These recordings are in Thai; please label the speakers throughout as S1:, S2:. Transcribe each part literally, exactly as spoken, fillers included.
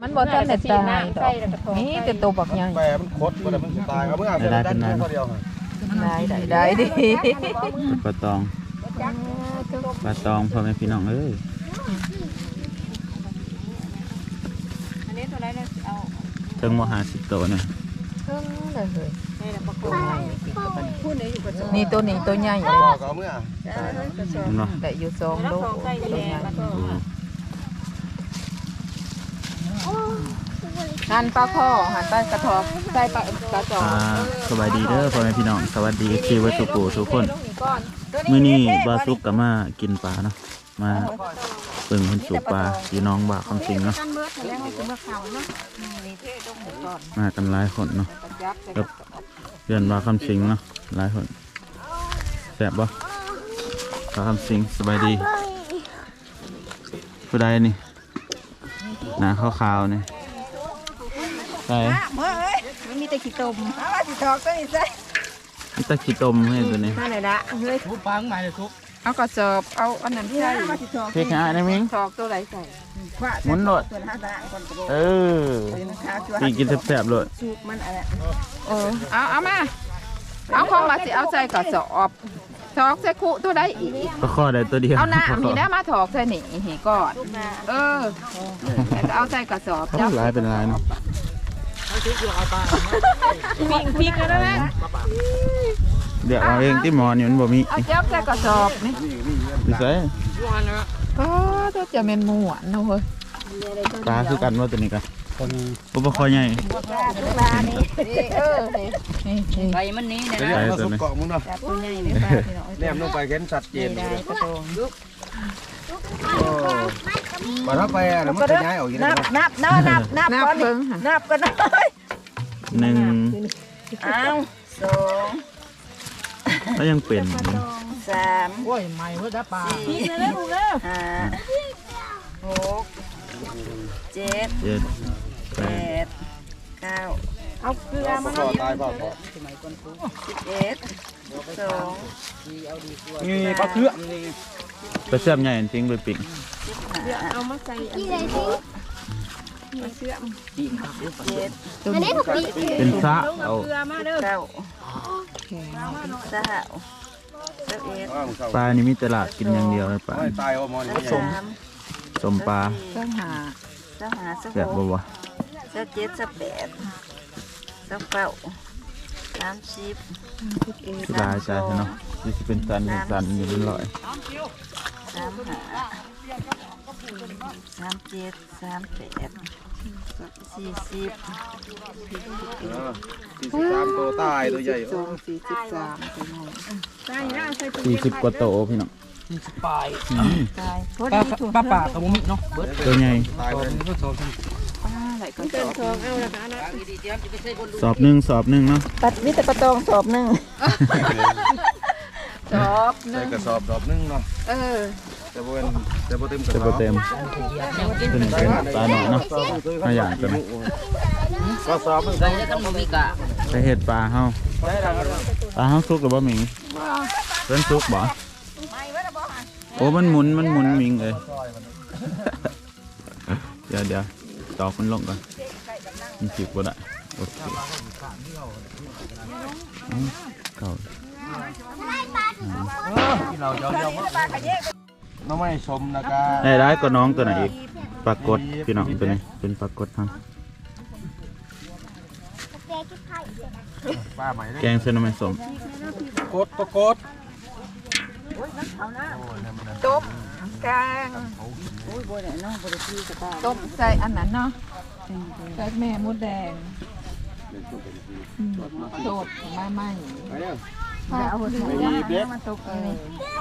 S1: มันบ่ทันได้ตายดอกนี่แต่ตัวบักใหญ่
S2: แปรมันคดบ่ได้มันสิตายเอาเมื่อได้เป็นนานเดียว
S1: ได้ได้ได้ดิ
S3: ปลาตองปลาตองพ่อแม่พี่น้องเอ้ย
S4: อันนี้ตัวไรเราเอา
S3: ถึงมหาสิบตัวเนี่ย
S1: ถึงเลยเฮ้ย
S4: นี่
S1: ตัวนี้ตัวใหญ่เลย
S2: เอาเมื่อ
S1: ได้อยู่สองโลตัวใหญ่หันปลาข้อหันปลากระทอกใส่ปลากระจอก
S3: สวัสดีเด้อพ่อแม่พี่น้องสวัสดีที่วัดสุกูทุกคนมื้อนี้บาซุกก็มากินปลาเนาะมาเปิ่งคนสูบปลาพี่น้องบ่าคำสิงเนาะมากันหลายคนเนาะกับเดือนบ่าคำสิงเนาะหลายคนแซ่บบ่บ่าคำสิงสบายดีผู้ใดนี่หน้าขาวๆนี่ใช่
S4: เมื่อเอ้ยมันมีแต่ขี้ตมเอาว่าสิทอกตัวนี้ใส่
S3: มีแต่ขี้ตมให้ตัวนี้
S4: นั่นแหละละเฮ้ย
S2: ทุบปลาข้างในเลยทุบ
S1: เอากระสอบเอาอันนั้นใส่
S3: พริกหาได้มั้ย
S1: ทอกตัวไหนใส่
S3: หมุนโลดเออปีกินแซ่บๆเลย
S4: สูบมันอะไร
S1: เออเอาเอามาเอาของมาสิเอาใส่กระสอบถอกใส่คุตัวได้อีก
S3: ก็ข้อได้ตัวเดียว
S1: เอาหน้ามีได้มาถอกใส่หนีหีก่อนเออแล้วเอาใส่กระสอบ
S3: จับลายเป็นลายเนาะ
S1: ปิงปิงกันแล้วนะ
S3: เดี๋ยวเอาเองที่หมอนอยู่มันบ่มี
S1: เอาจับใส่กระสอบนี่
S3: ดิใส่
S1: ก็ตัวจะเป็นหมวนนะเฮ้ย
S3: ปลาคือกันว่าตัวนี้กันปุ๊บคอใหญ่
S1: เออ
S4: ใบมันนี้นะ
S2: ใส่ตัวนี้เกาะมึงเนาะแนมลงไปเห็นชัดเจนเลยมาถ้าไปอ่ะมันจะย้ายออกอีก
S4: นับนับนับนับนับก่อนนับกันเลย
S3: หนึ่ง
S4: อ้าวสอง
S3: แล้วยังเป็น
S4: สาม
S2: โอ้ยใหม่เพื่อได้ปลา
S4: สี่ห้าหกเจ็ด
S3: เจ็ด
S4: แปดเก้าเอาเกลือมา
S2: หน่อยตายเปล่า
S4: สิบเอ็ดสอง
S2: นี่ปลาเคือ
S3: ปลาเสื่อมใหญ่จริงเลยปิ่ง
S4: เอามาใส่อันนี้มีเสื่อมเจ็ด
S3: เป็นซะเอา
S4: เก้าสาวสิบเอ็ด
S3: ปลานี่มีตลาดกินอย่างเดียวเลยปลา
S2: ตายเอามอน
S3: สมสมปลา
S4: สหาสหาส
S3: แบบบ่วะ
S4: สิบเจ็ดสิบแปดสิบเก้าสามสิบ
S3: สบายใจเนาะนี่จะเป็นสันเป็นสันอยู่เป็นร้อย
S4: สามห้าสามเจ็ดสามแปดสี่สิบ
S2: สี่สิบสามตัวตายตัวใหญ่
S1: สองสี่สิบสาม
S3: สี่สิบกว่าโตพี่น้อง
S2: สี่สิบปลาย
S4: ตาย
S2: ปลาปลาตัวมิเนาะ
S3: ตัวใหญ่สอบหนึ่งสอบหนึ่งเนาะ
S4: ตัดวิตาปะตองสอบหนึ่ง
S1: สอบ
S2: ใส่กระสอบสอบหนึ่งเนาะ
S1: เออ
S2: จะบนจะบนเต็ม
S3: จะบนเต็มเป็นเป็นปลาหน่อยเนาะมาอย่างกัน
S2: ก็สอบใส่จะต้องมีกะ
S3: ใส่เห็ดปลาเฮาปลาเฮาซุกหรือบ่หมิงเล่นซุกบ่โอ้มันหมุนมันหมุนมิงเลยเดี๋ยวเดี๋ยวตอกมันลงก่อนมันจิบบ่ได้โอเคเก่า
S2: น้องไม่ชมนะกา
S3: ได้ได้ก็น้องตัวไหนอีกปรากฏพี่น้องตัวนี้เป็นปรากฏทั้งแกงเส้นน้ำมันสม
S2: กดประกด
S1: ต้มแกงต้มใส่อันนั้นเนาะใส่แม่มดแดงโดดมาใหม่เอาหัวมาตกเลย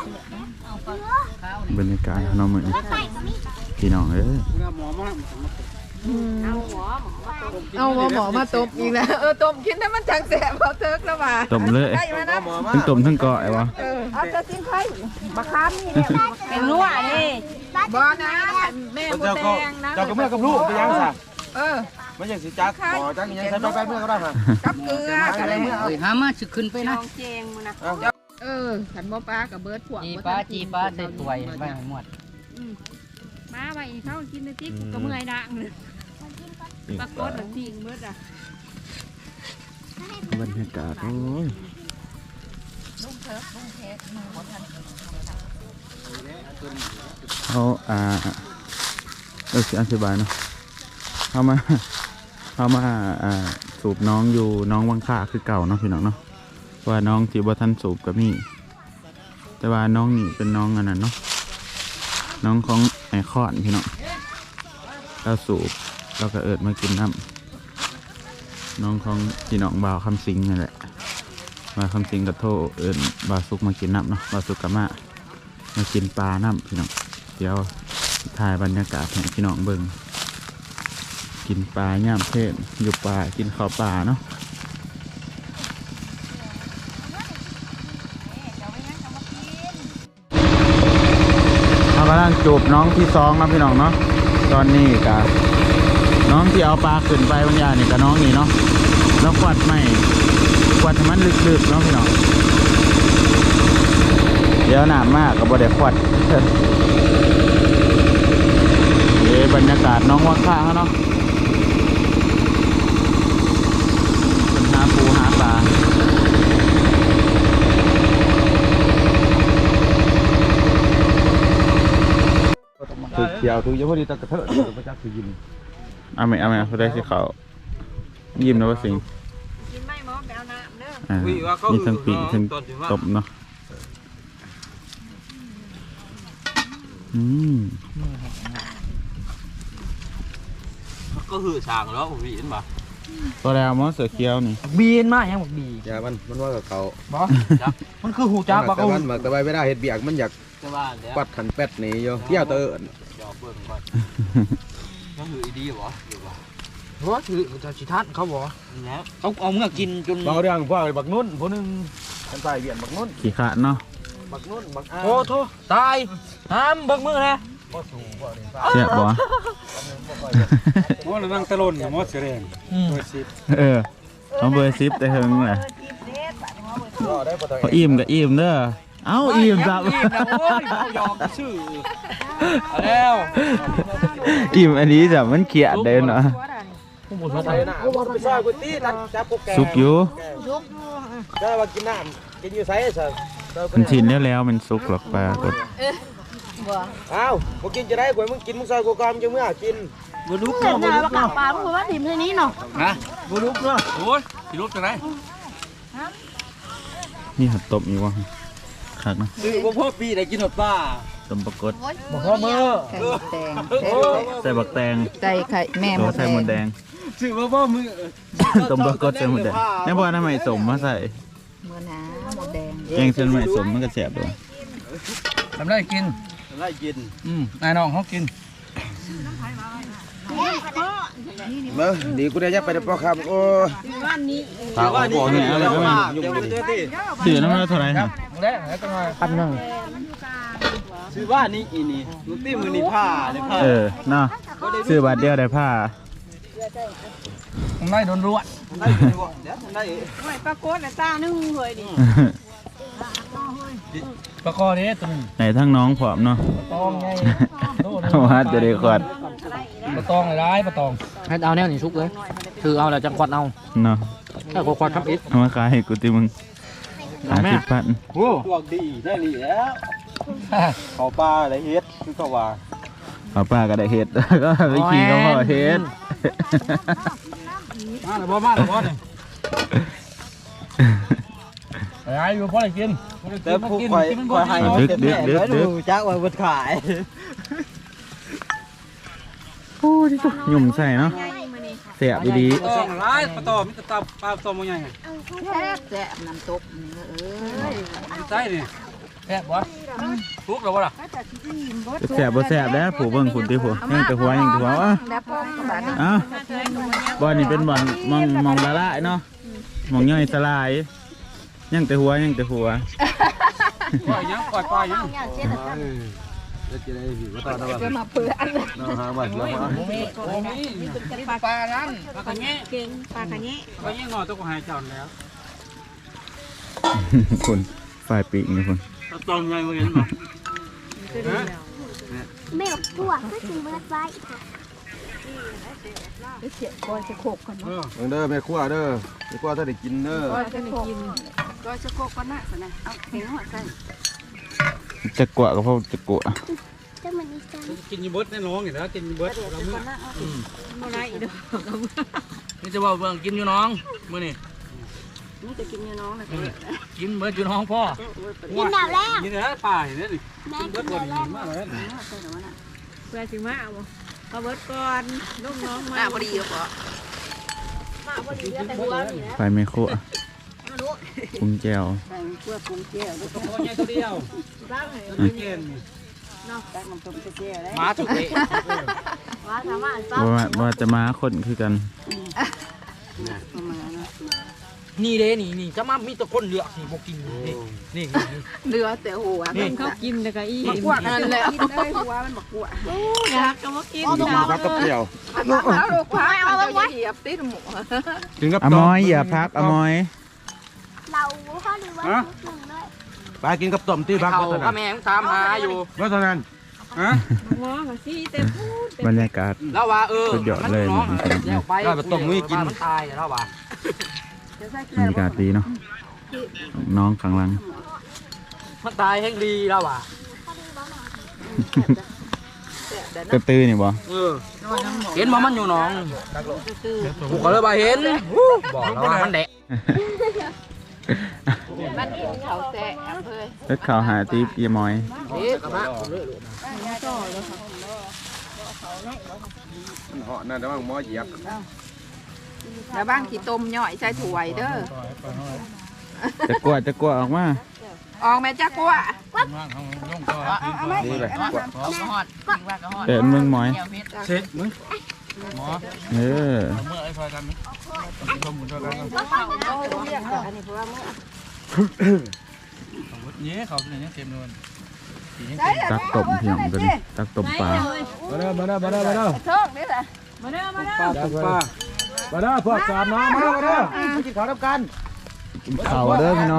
S3: บรรยากาศน้องเหมือนพี่น้องเอ้ย
S1: เอาหมอหมอมาต้มอีกแล้วเออต้มกินให้มันจังแสบเขาเทิกแล้วมา
S3: ต้มเลยทั้งต้มทั้งเกาะไอ้วะ
S4: เอาจะกินไข่บะคามนี่เป็นนัวนี่
S1: บ่นะแม่มดแดงนะ
S2: เจ้ากับแม่กับลูกไปยังซะ
S1: เออ
S2: ไม่ใช่สิจักต่อจักยังใช้ไปไปเมื่อก็ได้ค่ะ
S1: กับเกลือกับอะไรเมื่อ
S4: เอ้ยหามาสิขึ้นไปนะเจงมึงนะ
S1: เออขันบ่ปลากับเบิร์ดพวก
S5: จีปลาจีปลาใส่ถ้วยไปหมด
S4: มาไปเขากินในติ๊กก็เมื่อยดังเลย
S3: ปิ้ง
S4: ปราก
S3: ปลา
S4: ฏแบบทิ้งเบิดอ่ะ
S3: บรรยากาศโอ้ยเขาอ่าเออสิอธิบายเนาะเขามาเขามาอ่าสูบน้องอยู่น้องวังค่าคือเก่าเนาะพี่น้องเนาะว่าน้องที่บ่ทันสูบก็มีแต่ว่าน้องนี่เป็นน้องอันนั้นเนาะน้องของไอคอนพี่น้องเราสูบเราก็เอิดมากินน้ำน้องของพี่น้องบ่าวคำสิงนั่นแหละมาคำสิงกับโทเอิญบ่าวสุกมากินน้ำเนาะบ่าวสุกกับมามากินปลาน้ำพี่น้องเดี๋ยวถ่ายบรรยากาศให้พี่น้องเบิ่งกินปลาย่ามเพศอยู่ป่ากินข้าวปลาเนาะเรากำลังจูบน้องที่สองนะพี่น้องเนาะตอนนี้กับน้องที่เอาปลาขึ้นไปบางอย่างนี่กับน้องนี่เนาะแล้วขวดใหม่ขวดให้มันลึกๆเนาะพี่น้องเดี๋ยวหนามากกับบไดขวดเดี๋ยวบรรยากาศน้องว่าข้าเขาเนาะเป็นหาปูหาปลาถูกเกี่ยวถูกเยอะพอดีตะกระเทอะถูกประจักษ์ถูกยินเอาไหมเอาไหมเขาได้ที่เขายิ้มนะว่าสิง
S4: กินไม่หมอแปลน้ำเด้อ
S3: อ่ามีทั้งปีกทั้งตบเนาะอืม
S2: ก็คือฉากแล้วบีนบ่
S3: ตัวแล้วมอเสือเขียวนี่
S5: บีนมาอย่างบอกบี
S2: อย่ามันมันว่ากับเขา
S5: บอมันคือหูจ้าบัก
S2: แต่
S5: เอา
S2: มันมักแต่ใบไม่ได้เห็ดเบียกมันอยาก
S6: จะว่าแล้ว
S2: ปัดขันเป็ดนี่โยเที่ยวเตอร์
S6: จอบเบิ่งก่อนก็คืออีดีบ่หรือว่า
S5: เพราะว่าถือจะชิทัศเขาบอก
S6: แล้ว
S5: เขาเอาเมื่อกินจน
S2: เบาเรื่องพวกบักนุ่นพวกนึงกันใส่เบียนบักนุ่น
S3: ขี้ขาดเนาะ
S2: บักนุ่นบักอา
S5: โอ้โถตายห้ามเบิกมือนะ
S2: บ่สูงบ่นี่
S3: เสียบ่
S7: มอนั่งตะลนมอเสียแรงโดยสิ
S3: เออเอาเบอร์ซิปแต่เฮงแหละ
S2: ก็ได้บ่ต้อง
S3: พออิ่มกับอิ่มเด้อเอ้าอิ่มจับ
S5: อิ่มนะโอ้ยเขายอมชื่อเอาแล้ว
S3: อิ่มอันนี้จ้ะมันเขียดเด่นเนาะ
S5: ผู้บุญ
S2: ใส่หน้าไปซอยก๋วยเตี๋ยวจับพวกแก
S3: สุกอยู่
S2: ได้ว่ากินน้ำกินอยู่ไสซะ
S3: มันชินแล้วแล้วมันสุกหรอกปลากด
S2: อ้าวบ่กินจะได้ก๋วยมึงกินมึงซอยกูก่อนมึงจะเมื่อกิน
S5: บุลุก
S4: เห็
S5: เนาะ
S4: น
S5: บุ
S4: หน้า
S5: ลุ
S4: ป
S5: ก
S4: ลาก
S5: เนาะ
S4: ปลาเพราะว่าถิ่มที่นี้เนาะ
S5: ฮะบุลุกเนาะ
S6: โอ้ยสิรูปจังได๋
S3: นี่หัดตบอีกวะคักเนาะ
S6: ซื้อบ่พอปีได้กินหมดป้า
S3: ต้มปลากด
S5: บอกพ่อมือ
S1: ไข่มดแดง
S3: ใส่บักแตง
S1: ใส่ไข่แม่ม
S3: โอ้
S1: ด
S3: ใส่
S1: แด
S3: หม
S1: ง
S3: ดแดง
S6: ซื้อบ่พอมือ
S3: ต้มปลากดใส่หมดแดงแม่บอกทำไมสมมาใส่
S1: เมื่อน้ำมดแดง
S3: แกงเส้นใหม่สมมันก็แสบด้วย
S5: ทำได้กิน
S6: ได้กิน
S5: อืมนายน้องเขากิน
S2: เบิ่งดีกูได้ยับไปได้ป่อครับโอ้
S4: วันนี้
S3: ถามว่าบอกเนี่ยอะไรก็ไม่
S6: เดี๋ยวเจอที่
S3: ถือน้ำมันเท่าไหร่ครับ
S5: ได้แล้วก็มาพันหนึ่ง
S6: ซื้อว่านี่อีนี่ลูกตี้มือนี่ผ้าเลยผ้า
S3: เออเนาะซื้อบาทเดียวได้ผ้า
S5: ผมได้โดนรวด
S6: ได้กินบ่เดี๋ยวได้
S4: ไม่ปรากฏแต่ตานึ่งเลยดิ
S5: ปลากอนี้ตัวนึง
S3: ไหนทั้งน้องผอมเนาะ
S5: ตองไง
S3: เอามาจะได้ขวด
S5: ปลาตองอะไรปลาตองให้เอาแนวนี่ชุกเลยคือเอาแล้วจังควัดเอา
S3: เนาะ
S5: ถ้าควัดครับอิด
S3: เอามาขายให้กูติมึงหาสิบพัน
S5: โอ้
S6: พวกดีได้นี่แล้วเขาปลาอะไรเฮ็ดคือเขาว่า
S3: เอาป้าก็ได้เฮ็ด ก็ไปขี่ก็พอเฮ็ด
S5: มาแล้วบ่มาแล้วบ่เนี่ยไอ้อยู่พอได้กิน
S6: แต่ผู้คอยคอยให้
S3: ดึกดึกดึกดึก
S6: จักว่าบ่ขาย
S3: โอ้ยหยุ่มใส่เนาะเสียบดี
S7: ปลาตองร้ายปลาตองมีแต่ตาปลาตองมันใหญ่
S1: แซ่บแซ่บน้ำตกนี่เอ้ย
S7: ใส่นี่
S5: แซ่บบ่ทุกแล้วบ่ล่ะ
S3: แสบบ่แสบแล้วผู้เบิ่งคุณติผู้ยังแต่หัวยังแต่หัวอ่ะ
S1: แล้วพร้อมกับบาดนี้
S3: อ้าวบ่อนนี่เป็นบ่อนมองมองละลายเนาะมองย่อยสลายยังแต่หัวยังแต่หัว
S7: ปล่อยยังปล่อยปลายัง
S2: จะจะได้ผิวตาตะวัน
S1: จะมาเปื้อน
S2: น้องหาบัตรแล้วมา
S5: โอ้มีโอ้มีปลานั้น
S7: ปลากระแงะ
S4: เก่งปลากระแงะ
S7: ปลาแงะงอตัวก็หายจอนแล้ว
S3: คุณฝ่ายปีกนี่คุณ
S7: ปลาตองใหญ่บ่เห็นบ่
S8: ไม่หลบตัวก็คือเบิร์ดไว้
S4: เสียก่อนจะโขกก่อน
S7: เออ
S6: เด้อแม่ครัวเด้อแม่ครัวถ้าได้กินเด้อ
S4: ก่อนจะกินก่อนจะโขกก่อนนะสินะเอาเห็นหัวใส่
S3: จะกลัวก็เพราะจะกลัว
S7: กินยีเบิร์ดแน่น้องอยู่แล้วกินยีเบิร์ดเราเมื่อ
S4: อะไรอีกเด้อ
S5: นี่จะว่าเบิ่งกินอยู่น้องมื้อนี้
S4: นี่จะกินอยู่น้องนะ
S5: กินเบิดอยู่น้องพ่อ
S4: กินดาวแรก
S7: กินแล้วป่าเห็นไหมกินเบิร์ดก่อนกินมากเลย
S4: เพื่อถึงมาเอาเอาเบิร์ดก่อนลูกน้องมาพอดีหรอปะมาพอดีแต่หัวนี่นะ
S3: ไฟไม่คั่วปรุงแจว
S4: ใส่เพื่อปรุงแก้วด้วย
S7: โอ้ยตัวเดียว
S4: บ้างเลย
S7: ไม่เย็น
S4: เนาะแต่มันต้มแก้วได้
S5: หมาถูกเตะ
S4: ว่าถามว่าอัน
S3: ว่าว่าจะมาคนคือกัน
S4: ประมาณนั้น
S5: นี่เด้นี่นี่จะมามีแต่คนเหลือกนี่บ่กินนี่นี่นี่
S1: เรือแต่หัว
S5: นี่
S4: เขากินแต่ก็อี
S1: มากวกนั่นแหละ
S4: กินได้หัวมันบอกกวอยากก็มากิน
S6: พักกับเปรี้ยว
S1: เอาลูกพักเอาไว้เหยียบติดหมู
S6: กินกับ
S3: อมอยอย่าพักอมอย
S8: เราข้อดีว่าหนึ่งด้วย
S6: ปลากินกับต้มที่พัก
S5: เขา
S6: ก็เท่า
S5: ก็
S6: นั้น
S5: แม่งตามหาอยู่
S6: ก็เท่านั้น
S7: ฮะ
S4: หัวมาสิแต่พูด
S3: บรรยากาศ
S5: แล้วว่าเออ
S3: สุดยอดเลย
S5: น้อง
S3: นี่ครับ
S5: แล้วไปมันตายแล้วว่า
S3: บรรยากาศดีเนาะน้องข้างหลัง
S5: มันตายแห่งดีแล้วว่ะ
S3: กระตื้อนี่บ่
S5: เออเห็นว่ามันอยู่หนองกูก็เลยบ่เห็นบอกแล้วว่ามันแดะ
S1: มันกินเขาแซ่เพื่อ
S3: เล็ดข่าวหาตีปีมอย
S5: เอ๊ะกระบะ
S6: เหาะนั่นแต่ว่าหมอเหยียบ
S1: แล้วบ้างขี้ต้มย่อยใส่ถ้วยเด้อ
S3: จะกลัวจะกลัวออกมา
S1: ออกแม่จักกัว
S6: นี่เลย
S3: เดินเมืองมอย
S7: เสร็จมึง
S3: เออ
S7: เมื่อไอ้ซอยกันมั้ยชมกันชอยกันเนี่ยเขาเป็นอย่างเต็มเลย
S3: ตักตบพี่น้องตัวนี้ตักตบปลา
S6: มาเด้อมาเด้อมาเด้อมาเด้อ
S1: โชคนี่แหละ
S4: มาเด้อมาเด้อ
S6: ป้าป้ามาเด้อพวกสามน้องมาเด้อมาเด้อกินข้าวน้ำกัน
S3: เข่าเด้อพี่น้อง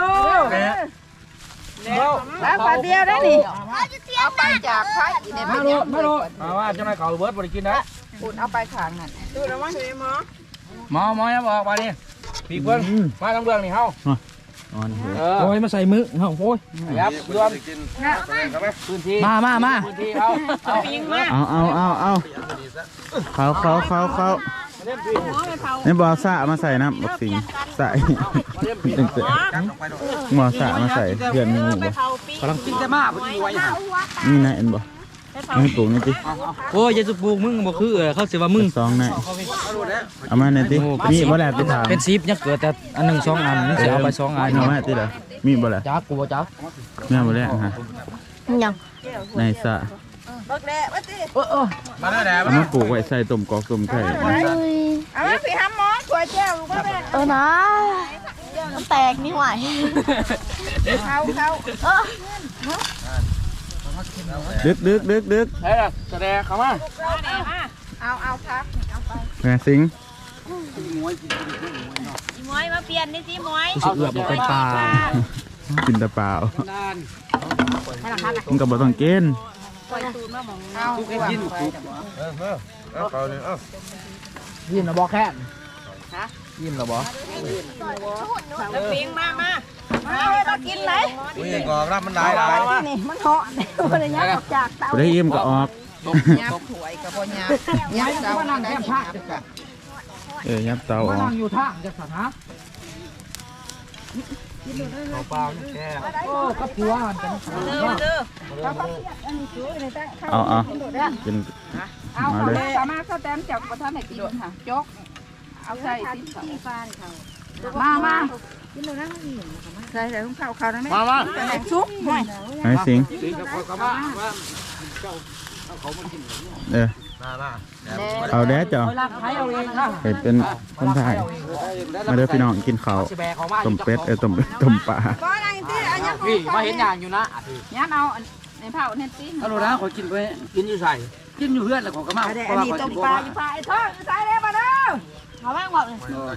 S1: แล้วปลาเดียวได้นี่เอาไปจากไผ่ใน
S5: มา
S1: บ้าน
S5: โลมาโลมาว่าจะไม่เขาเบิร์ดบ่ได้กินนะ
S1: คุณเอาไปขางนั่น
S4: ดูแล้วว่าเห็นมั้ย
S5: หมอหมอyaบอกมาดิพี่เพิ่นมาทางเบื้องนี่เฮา
S3: นอนเถอะ
S5: เออโอ้ยมาใส่มือเฮาโอ้ยครับรวม
S6: กินพื้นที่
S5: มามามาพื้นที่เอาเอาปิงมา
S3: เอาเอาเอาเอาเขาเขาเขาเขานี่บอสะมาใส่นะบักสิงใส่ตึงเตะหมอสะมาใส่เพื่อนมีหมูบ่
S5: กำลังกินแต่มาเพิ่นอยู่ไว้หั่น
S3: นี่นะเอ็นบ่ไม่ปลูกนี่จิ
S5: โอ้ยจะสุปลูกมึงบ่คือเขาสิว่ามึง
S3: สองนะเอามาหน่อยติมีบ่แหละไปถาม
S5: เป็น10ยังเกิดแต่อันนึงสองอันมึงสิเอาไปสองอัน
S3: เอามาติเด้อมีบ่แหละ
S5: จักกูบ่จัก
S3: แม่บ่แหละฮะ
S8: ยัง
S3: ในสะ
S5: เออเออมาแล้วแหละ
S3: เอามาปลูกไว้ใส่ต้มกอกต้มไข่
S1: เอามาสิห้ามหมอถ้วยแก้วลูกแม่
S8: เออนะมันแตกนี่หว่า
S1: เขาเขา
S3: ดึกดึกดึกดึก
S5: เฮ้ยแสดงเข้ามา
S1: เอาเอาพักเอาไป
S3: แม่สิง
S8: จีมวยมาเปลี่ยนนี่จีมวย
S5: สิเอือบบ่เป็นปลา
S3: กินแต่เปล่า
S7: ด้าน
S3: มันก็บ่ต้องกิน
S1: เอาไปวางไว้
S6: เออเออเอาเขาเนี่ยเอา
S5: ยิ้มแล้วบ่แค่ยิ้มแล้วบ่
S4: แล้วปิงมามามากินไหน
S6: อุ้ยกอกรับมันได้ได้
S4: นี่มันเหาะมันยังจากเตา
S3: บ่ได้อิ่มก็ออก
S1: ยับถ้วยกับพ่อยับยับเจ้าได้ภาค
S3: เออยับเตาอ
S5: มา
S3: อก
S5: นั่งอยู่ทางจักสันฮะ
S7: เขาปลาแก่
S5: โอ้กับผัวมันเป็น
S4: เด้อ
S3: เอาเอากิน
S1: เอา
S3: มา
S1: เขา
S3: เลย
S1: สามารถเข้าแต้มจากประธานไหนกินค่ะจกเอาใส่ที่เขามามาใส่ใส่ถุงข้าวข้าวนั่นไหม
S5: มามา
S1: แหนกซุปห่วย
S3: ไอ้สิง
S5: สิกับกับมา
S3: เออเอาแด้จ้ะ
S5: เอาลากไผเอาเองค่ะ
S3: เห็นเป็นคนไทยมาเด้อพี่น้องกินข้าว
S5: สิแบกเขามา
S3: ต้มเป็ดเออต้มต้มปลา
S1: ก้อนอะไรที่อันนี้
S5: พี่มาเห็นอย่างอยู่นะ
S1: ยับเอาในเผาเน็ตตี้
S5: ฮัลโหลนะขอกินไปกินอยู่ใส่กินอยู่เพื่อนแล้วขอก็มา
S1: อันนี้ต้มปลาอยู่ปลาไอ้ทอดใส่เลยมาเด้อ
S8: เขาบ้างบอกเลย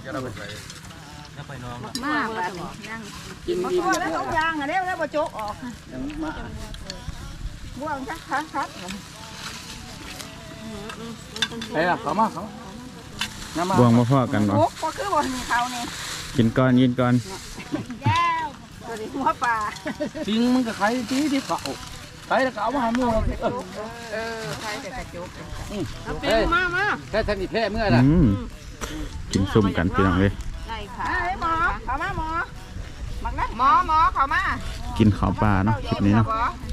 S1: มากแบบนี้นั่ง
S5: กิน
S1: มา
S5: ดี
S1: ตัวแล้วต้องยางอันนี้แล้วมาจกออกบ้วงชักคักคัก
S5: เฮ้ยเขามาเขาน้ำมา
S3: บวงมาพ่อกันบ่
S1: โอ้ก็คือบ่มีเขานี่
S3: กินก่อนกินก่อน
S1: ตัวนี้หัวปลา
S5: จริงมึงกับใครที่ที่เขาใครแล้วก็เอามาให้มึงเออ
S1: เออใครแต่กระจุก
S4: เอาเป็นมามา
S5: แค่ทันทีแพ้เมื่อไหร่
S3: อืมกินซุ่มกันพี่น้องเลย
S4: ได้ค่ะ
S1: เอ้ยหมอเขามาหมอมักนะหมอหมอเขามา
S3: กินข้าวปลาเนาะคลิปนี้เนาะ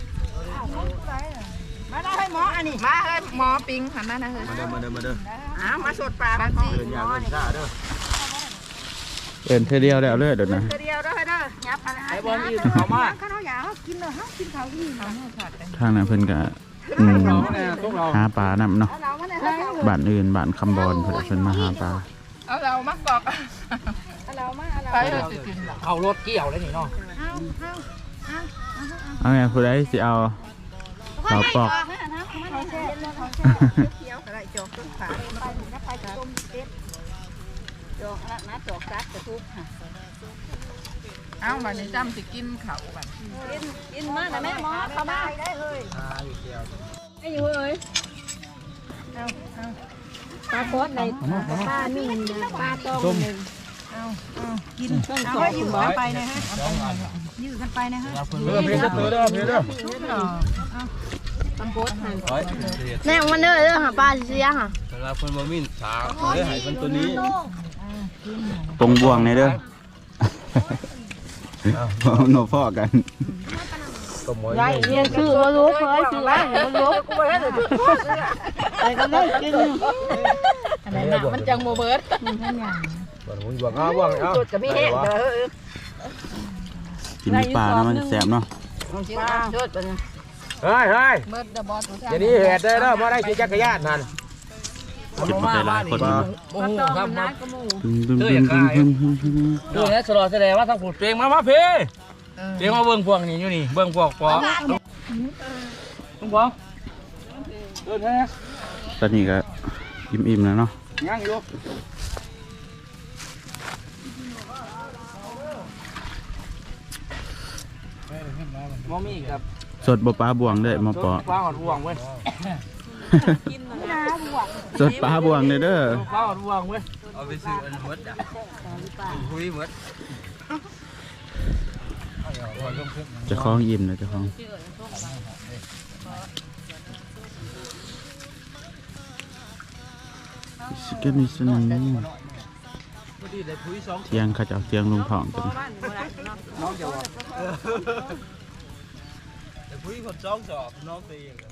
S1: มาได้ให้หมออันนี้มาเฮ้ยหมอปิงหันมานะเฮ้ย
S2: มาเด้อมาเด้อมาเด้อ
S1: อ้าวมาสดปลาบางที
S2: เดินยาวเดินช้าเด้อ
S3: เอินเธอเดียวแล้วเลยเดี๋ยวนะ
S1: เดียวเด้อเด้อยับอะไร
S5: ไอ้บอลอีเขามา
S1: ข้าวอยากกินเลยฮะกินเขาอีก
S3: ทางนั้นเพิ่นก็อืม
S5: เราเนี่ยพวกเรา
S3: หาปลานำเนาะ
S1: เราไม่ได้
S3: บ้านอื่นบ้านคำบอลเพิ่นเพิ่นมาหาปลา
S1: เอาเรามากอกเรามาเราไปเลย
S5: เขารถเกี่ยวเลยนี่เนาะ
S3: เอาไงผู้ใดสิเอาข้าวปอก
S1: เขียวอะไรจอกต้นขาไปถึงก็ไปต้มเอ็ดจอกนะนะจอกซักกระทุกค่ะเอาบัดนี้จำสิกินเขาบัดกินกินมานะแม่หมอเขามาได้เลย
S4: ไอ้อยู่เอ้ยปลาโคตรในปลาหนึ่งปลาต้มหนึ่งกินต้นสองยืดกันไปนะฮะยืดกันไปนะฮะ
S2: เด้อเพียเด้อเด้อเพียเด้อ
S4: ตำโคตรหัน
S8: แน่มันเด้อเด้อหาปลาเสียค่ะ
S6: เวลาเพิ่นบ่มีฉากเด้อให้เพิ่นตัวนี้
S3: ปงบวงในเด้อโนพ่อกัน
S2: ก็หมอย
S8: ได้เรียนคือมารู้เคยคือว่ามารู้
S1: กูไปให้เลย
S8: ไปก็ได้กิน
S1: อันนั้นน่ะมันจังโมเบิร์ต
S2: บ่หุ่นบ่เอาบ่เอา
S1: จุดจะมีแห้งเด้อ
S3: กินปลานะมันแสบเนาะ
S1: ปลาจุดเป็น
S2: เฮ้ยเฮ้ย
S1: เบิร์ตเดอะบอส
S2: อย่านี้เหตุเด้อเด้อบ่ได้ขี่จักรยานนั่น
S3: กินมาได้หลายคนเนาะ
S5: โอ้โหครับมา
S3: บึ้มบึ้มบึ้มบึ้มบึ้มบึ้มบึ้ม
S5: ดูนะสลอแสดงว่าทางผูดเพลงมามาเพลงเพลงมาเบิ่งพวกนี้อยู่นี่เบิ่งพวกปอลุงปอเดินแท้
S3: ตอนนี้ก็อิ่มๆแล้วเนาะ
S5: ยังอยู่มอมี่กับ
S3: สดบ่ปลาบวงเด้อมาปอ
S5: ปลาหอดห่วงเว้ย
S3: สดปลาบวงเด้อเด้อ
S5: ปลาหอดห่วงเว้ย
S6: เอาไปซื้ออันหมดอ่ะคุยหมด
S3: เจะคล้าของอิ่มเลยเจะคล้าของสเก็ตมิสนันเทียงเขาจะเอาเทียงลงท้องกัน
S6: แต่คุยคนสองสอบน้องตีอย่าง